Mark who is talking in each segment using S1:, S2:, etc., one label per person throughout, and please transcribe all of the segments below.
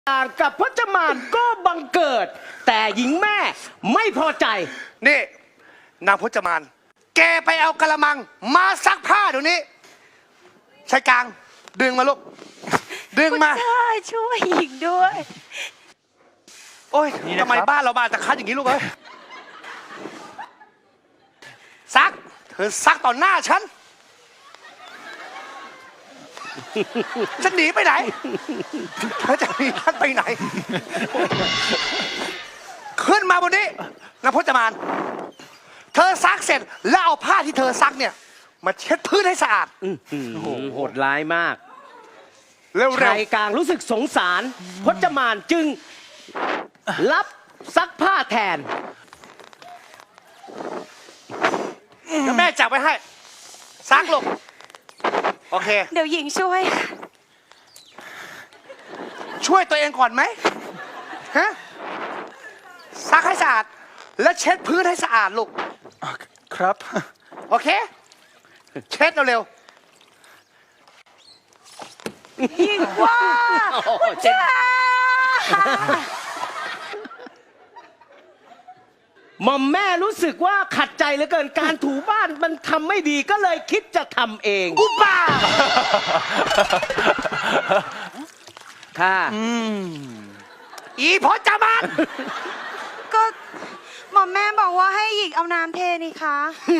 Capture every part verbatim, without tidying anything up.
S1: ต่างกับพจมานก็บังเกิด แต่หญิงแม่ไม่พอใจ
S2: นี่นางพจมาน แกไปเอากระมังมาซักผ้าเดี๋ยวนี้ชายกลางดึงมาลูกดึงมา
S3: ใช่ช่วยหญิงด้วย
S2: โอ้ยทำไมบ้านเราบ้านตะคัดอย่างนี้ลูกเอ้ยซักเธอซักต่อหน้าฉันฉันหนีไปไหนเธอจะหนีฉันไปไหน ขึ้นมาบนนี้นางพจมานเธอซักเสร็จแล้วเอาผ้าที่เธอซักเนี่ยมาเช็ดพื้นให้สะอาด
S1: โอ้โหโหดร้ายมาก
S2: เร็ว
S1: ชายกลางรู้สึกสงสาร พจมานจึงรับซักผ้าแทน
S2: ๆแล้วแม่จับไว้ให้ซักลูกโอเค
S3: เดี๋ยวหญิงช่วย
S2: ช่วยตัวเองก่อนไหมฮะซักให้สะอาด แล้วเช็ดพื้นให้สะอาดลูก
S4: ครับ
S2: โอเค เช็ดเร็ว
S3: หญิงว่า
S1: โอ้โหเจ็บ หม่อมแม่รู้สึกว่าขัดใจเหลือเกินการถูบ้านมันทำไม่ดีก็เลยคิดจะทำเอง
S2: ๆอุบ้า
S1: ค่ะ
S2: อีพจมาน
S3: ก็หม่อมแม่บอกว่าให้หญิงเอาน้ำเทนี่คะ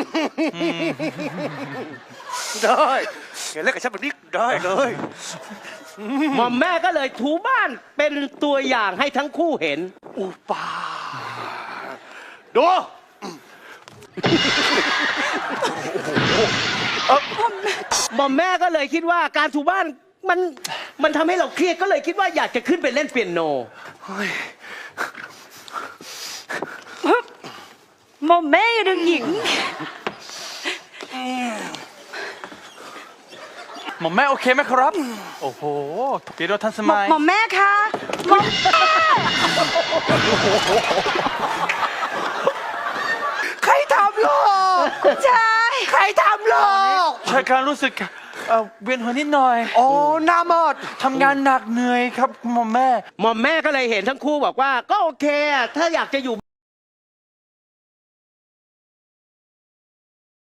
S2: ได้อย่าเล่นกับฉันแบบนี้ได้เลย
S1: หม่อมแม่ก็เลยถูบ้านเป็นตัวอย่างให้ทั้งคู่เห็น
S2: อุบ้าดู
S1: หม่อมแม่ก็เลยคิดว่าการถูบ้านมันมันทำให้เราเครียดก็เลยคิดว่าอยากจะขึ้นไปเล่นเปียโน
S3: หม่อมแม่อย่าดึงหญิง
S4: หมอมแม่โอเคไหมครับ โอ้โหเปียโนทันส
S3: หม่อ
S4: มัย
S3: หม่อมแม่คะหม่อม
S2: ใครทำลูก
S3: คุณชาย
S2: ใครทำลูก
S4: ชายการรู้สึกเอ่อเวียนหัวนิดหน่อย
S2: โอ้หน้าหมด
S4: ทำงานหนักเหนื่อยครับหมอมแม่
S1: หม่อมแม่ก็เลยเห็นทั้งคู่บอกว่าก็โอเคอะถ้าอยากจะอยู่